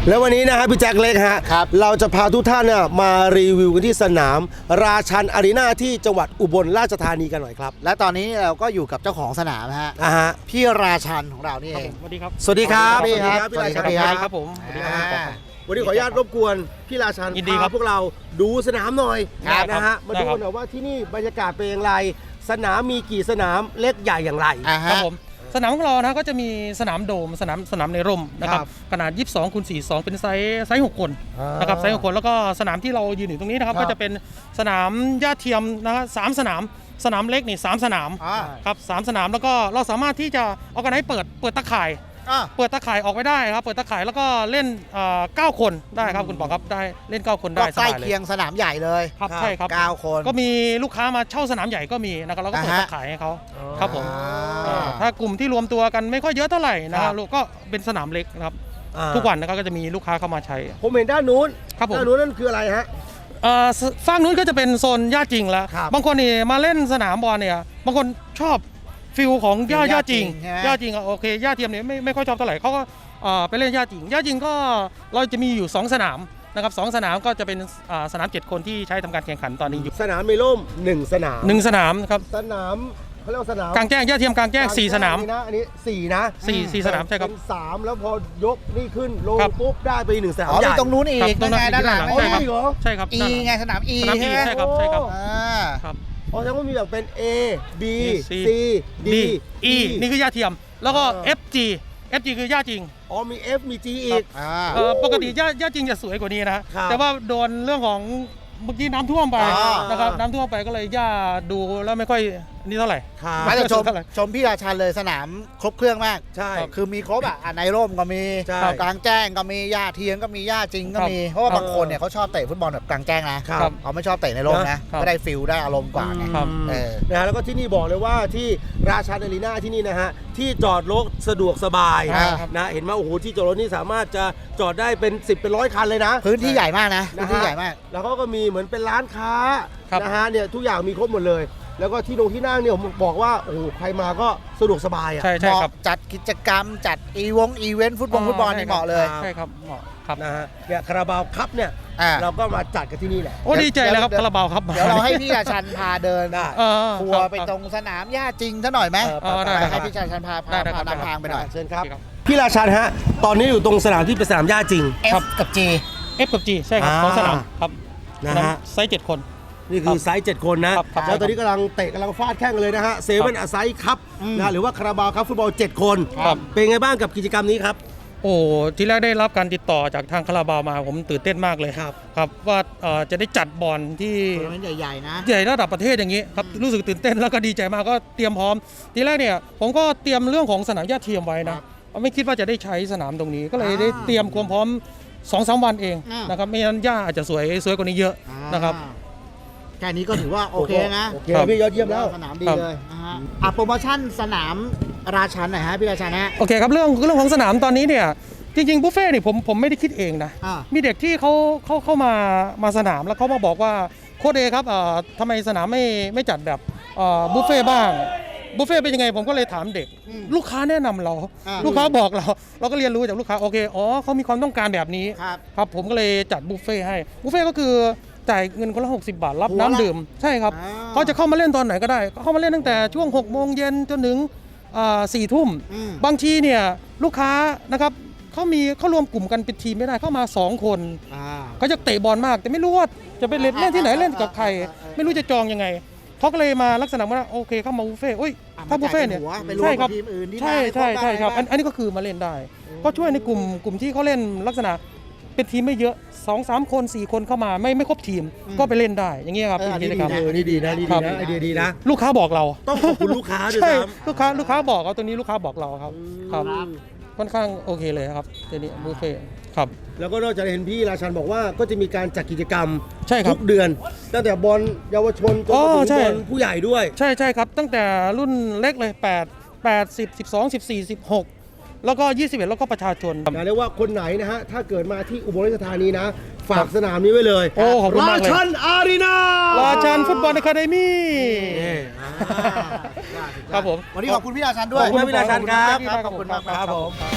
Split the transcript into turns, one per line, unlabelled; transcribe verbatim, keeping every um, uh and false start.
แล้ววันนี้นะฮะพี่แจ็คเล็กฮะเราจะพาทุกท่านเนี่ยมารีวิวกันที่สนามราชันอารีนาที่จังหวัดอุบลราชธานีกันหน่อยครับ
และตอนนี้เราก็อยู่กับเจ้าของสนามฮะ
อ่าฮะ
พี่ราชันของเรานี่เอง
สวัสดีครับ
สวัสดีครับ
สวัสดีครับ
พี่ราชัน
สวัสดีครับ
ครับผมสวัสดีครับ
วันนี้ขออนุญาตรบกวนพี่ราชัน
ยินดีครับ
พาพวกเราดูสนามหน่อย
ครับ
นะฮะมา
ได้
ดู
ครับ
หน่อยว่าที่นี่บรรยากาศเป็นอย่างไรสนามมีกี่สนามเล็กใหญ่อย่างไร
อ่า
ครับ
ฮะ
ผมสนามของเรานะก็จะมีสนามโดมสนามสนามในร่มนะครับ
ครับ
ขนาดยี่สิบสองคูณสี่สิบสองเป็นไซส์ไซส์หกคน
อ่าน
นะครับไซส์หกคนแล้วก็สนามที่เรายืนอยู่ตรงนี้นะครับ
ครับ
ก็จะเป็นสนามหญ้าเทียมนะฮะสามสนามสนามเล็กนี่สามสนาม
อ่า
ครับสามสนามแล้วก็เราสามารถที่จะเอากันให้เปิดเปิดตะข่าย
อ่า
เปิดตะข่ายออกไปได้ครับเปิดตะข่ายแล้วก็เล่นเอ่อเก้าคนได้ครับคุณปอครับได้เล่นเก้าคน
ก็
ได้ส
ใกล้
บายเล
เคีย
ย
งสนามใหญ่เลย
ครับใช่ครับ
เก้าคน
ก็มีลูกค้ามาเช่าสนามใหญ่ก็มีนะครับเราก็เปิด
อ่าฮะ
ตะข่ายให้เขาครับผม
อ่า
ถ้ากลุ่มที่รวมตัวกันไม่ค่อยเยอะเท่าไหร่นะ
ค
ค
รั
รั
บบ
ก็เป็นสนามเล็กนะครับ
อ่า
ทุกวันนะครับก็จะมีลูกค้าเข้ามาใช้
ผมเห็นด้านนู้น
ครับผม
ด้านนู้นนั่นคืออะไรฮะ
เอ่อสฝั่งนู้นก็จะเป็นโซนหญ้าจริงแล้ว
ครับ
บางคนนี่มาเล่นสนามบอลเนี่ยบางคนชอบฟิลของหญ้า
ฟิล
ห
ห
ญ้า
ญ้า
จริง
จริงใช่ไหม
หญ้าจริงอะโอเคหญ้าเทียมเนี่ยไม่ไม่ค่อยชอบเท่าไหร่เขาก็เอ่อไปเล่นหญ้าจริงหญ้าจริงก็เราจะมีอยู่สองสนามนะครับสองสนามก็จะเป็นอ่าสนามเจ็ดคนที่ใช้ทำการแข่งขันตอนนี้อยู่
สนามมีร่มหนึ่งสนาม
หนึ่งสนามครับ
สนามเขาเรียกว่าสนาม
กลางแจ้งหญ้าเทียมกลางแจ้งสี่สนาม
นะอันนี้สี่นะ
สี่สี่สนามใช่ครับ
เป็นสามแล้วพอยกนี่ขึ้นลง
ครับ
ปุ๊บได้ไปหนึ่งสนาม
อ๋อ
ให
มี
ญ่
ตรงนู้นอี
ครับ
ก
ตรงนั้น
ไงด้านหลัง
ใช่ครับ
อ๋อมีเหรอ
ใช่ครับ
อี
ด้านหลัง
ไงสนาม E
สนาม E
ใช่ไหม
ใช่ครับใช่ครับ
อ่า
ครับ
อ๋อแสดงว่ามีแบบเป็น A B
C
C D
D E นี่คือหญ้าเทียม แล้วก็
เออ
F G F G คือหญ้าจริง
อ๋อมี F มี G อีก
อ่า
เอ่อปกติหญ้าหญ้าจริงจะสวยกว่านี้นะ
ครับ
แต่ว่าโดนเรื่องของเมื่อกี้น้ำท่วมไป
อ่าน
นะครับน้ำท่วมไปก็เลยหญ้าดูแล้วไม่ค่อยนี่เท่าไหร่
ครับ
ไม่แต่ชม
เท่าไหร่
ชมพี่ราชันเลยสนามครบเครื่องมาก
ใช่
คือมีครบอ่ะอ่ะในร่มก็มี
ใช่
กลางแจ้งก็มีหญ้าเทียมก็มีหญ้าจริงก็มี เพราะว่าบางคนเนี่ยเขาชอบเตะฟุตบอลแบบกลางแจ้งนะครับ เขาไม่ชอบเตะในร่มนะครับ ก็ได้ฟิลได้อารมณ์กว่าไง
ครับ
เออ
นะฮะแล้วก็ที่นี่บอกเลยว่าที่ราชาอารีนาที่นี่นะฮะที่จอดรถสะดวกสบาย
ครับ
นะเห็นไหมโอ้โหที่จอดรถนี่สามารถจะจอดได้เป็นสิบเป็นร้อยคันเลยนะ
พื้นที่ใหญ่มากนะพื้นที่
นะฮะ
ใหญ่มาก
แล้วเขาก็มีเหมือนเป็นร้านค้า
ครับ
นะฮะเนี่ยทุกอย่างมีครบหมดเลย แล้วก็ที่นงที่นั่งเนี่ยผมบอกว่าโอ้โหใครมาก็สะดวกสบายอ่ะ
ใช่
เห
ใช่
มาะ
ครับ
จัดกิจกรรมจัดอีวงอีเวนต์ฟุตบอลฟุตบอลนี่เหมาะเลย
ใช่ครับเหมาะครับ
นะฮะเนี่ยคาราบาวคัพเนี่ย
อ่า
เราก็มาจัดกันที่นี่แหละ
โอ้ดีใจเลยครับ
เดี๋ยว
คาราบาวครับ
เดี๋ยวเราให้พี่ราชันพาเดิน
ได้
เออ
ทัวร์ไป
คบ
ตรงสนามหญ้าจริงซะหน่อยไหม
เออ
ได้
ไป
ได้
ให้พี่ราชันพาพา
ได้
พา
ได้ครับ
นำทางไปหน่อย
เชิญครับ
โอเคครับ
พี่ราชันฮะตอนนี้อยู่ตรงสนามที่เป็นสนามหญ้าจริง
F กับ G
F กับ G ใช่ครับ
อ่า
ของสนามครับ
นะฮะ
ไซส์เจ็ดคน
นี่คือไซส์เจ็ดคนนะครับ
ครับ
แล้วตอนนี้กำลังเตะกำลังฟาดแข้งกันเลยนะฮะเซเว่นอไซส์คัพนะหรือว่าคาราบาวคัพฟุตบอลเจ็ดคน
ครับ
เป็นไงบ้างกับกิจกรรมนี้ครับ
โอ้ที่แรกได้รับการติดต่อจากทางคาราบาวมาผมตื่นเต้นมากเลย
ครับ
ครับว่าเอ่อจะได้จัดบอลที่
ทัวร์นาเมนต์ใหญ่ๆนะ
ใหญ่ระดับประเทศอย่างนี้ครับรู้สึกตื่นเต้นแล้วก็ดีใจมากก็เตรียมพร้อม ทีแรกเนี่ยผมก็เตรียมเรื่องของสนามหญ้าเทียมไว้นะไม่คิดว่าจะได้ใช้สนามตรงนี้ ก็เลยได้เตรียมความพร้อม สองสาม วันเอง
อ่าน
นะครับไม่งั้นหญ้าอาจจะสวยสวยกว่านี้เยอะนะครับ
อ่าแค่นี้ก็ถือว่าโอเคนะ
โอเค
ครับ
พี่ยอดเยี่ยมแล้ว
สนามดีเลยนะฮะอ่ะโปรโมชั่นสนามราชันหน่อยฮะพี่ราชันฮะ
โอเคครับเรื่องเรื่องของสนามตอนนี้เนี่ยจริงๆบุฟเฟ่ต์นี่ผมผมไม่ได้คิดเองนะ
อ่า
มีเด็กที่เขาเขาเข้ามามาสนามแล้วเขามาบอกว่าโค้ชเอครับเอ่อทำไมสนามไม่ไม่จัดแบบเอ่อบุฟเฟ่ต์บ้างบุฟเฟ่ต์เป็นยังไงผมก็เลยถามเด็ก
อืม
ลูกค้าแนะนำเรา
อ่า
ลูกค้าบอกเรา เราก็เรียนรู้จากลูกค้าโอเคอ๋อเขามีความต้องการแบบนี้
ครับ
ครับผมก็เลยจัดบุฟเฟ่ต์ให้บุฟเฟ่ต์ก็คือจ่ายเงินคนละหกสิบบาทรับ
หัวละ
น้ำดื่มใช่ครับ
อ่า
เขาจะเข้ามาเล่นตอนไหนก็ได้เขาเข้ามาเล่นตั้งแต่ช่วงหกโมงเย็นจนถึงสี่ทุ่ม
อืม
บางทีเนี่ยลูกค้านะครับเขามีเขารวมกลุ่มกันเป็นทีมไม่ได้เข้ามาสองคน
อ่า
เขาจะเตะบอลมาก แต่ไม่รู้ว่าจะไปเล่นเล่นที่ไหนเล่นกับใคร
อ่าอ่าอ่า
ไม่รู้จะจองยังไงเขาก็เลยมาลักษณะว่าโอเคเข้ามาบุฟเฟ่ต์อุ้ย
อ่ะ
ถ้าบุฟเฟ่ต์เนี่ย
มาจ่ายเป็นหัวไปรวม
ใช่ครับ
กับทีมอื่นที่
ใช่
มา
ใช่
ได้
ใช่ครับ
บ้าง
อันอันนี้ก็คือมาเล่นได้ ก็ช่วยในกลุ่มกลุ่มที่เขาเล่นลักษณะเป็นทีมไม่เยอะสองสามคนสี่คนเข้ามาไม่ไม่ครบทีมก็ไปเล่นได้อย่างเงี้ยครับ
เอออันนี้
กิจกรรม
ดี
เออนี่ดีนะนี่ดี
ครั
นะ
บ
ไอเดียดีนะ
ลูกค้าบอกเรา
ต้องขอบคุณลูกค้าด้วย
ใช่
นะ
ลูกค้าลูกค้าบอกเอาตัวนี้ลูกค้าบอกเราครับครับค่อนข้างโอเคเลยครับทีนี้บุฟเฟ่ต์ครับ
แล้วก็นอกจากเห็นพี่ราชันบอกว่าก็จะมีการจัดกิจกรรม
ใช่ครับ
ทุกเดือน ตั้งแต่บอลเยาวชนจน
อ๋อ
มาถึง
ใช่
บอลผู้ใหญ่ด้วย
ใช่ใช่ครับ ตั้งแต่รุ่นเล็กเลยแปด แปด สิบ สิบสอง สิบสี่ สิบหกแล้วก็ยี่สิบเอ็ดแล้วก็ประชาชน
นะเรียกว่าคนไหนนะฮะถ้าเกิดมาที่อุบลราชธานีนะ ฝากสนามนี้ไว้เลย
โอ้ขอบคุณมากเลย
ราชันอารีนา
ราชันฟุตบอลอะคาเดมี่
นี่อ่า
ครับผม
วันนี้ขอบคุณพี่ราชันด้วย
ขอบคุณพี่ราชันครับ
ขอบคุณมาก
ครับผม
ครับ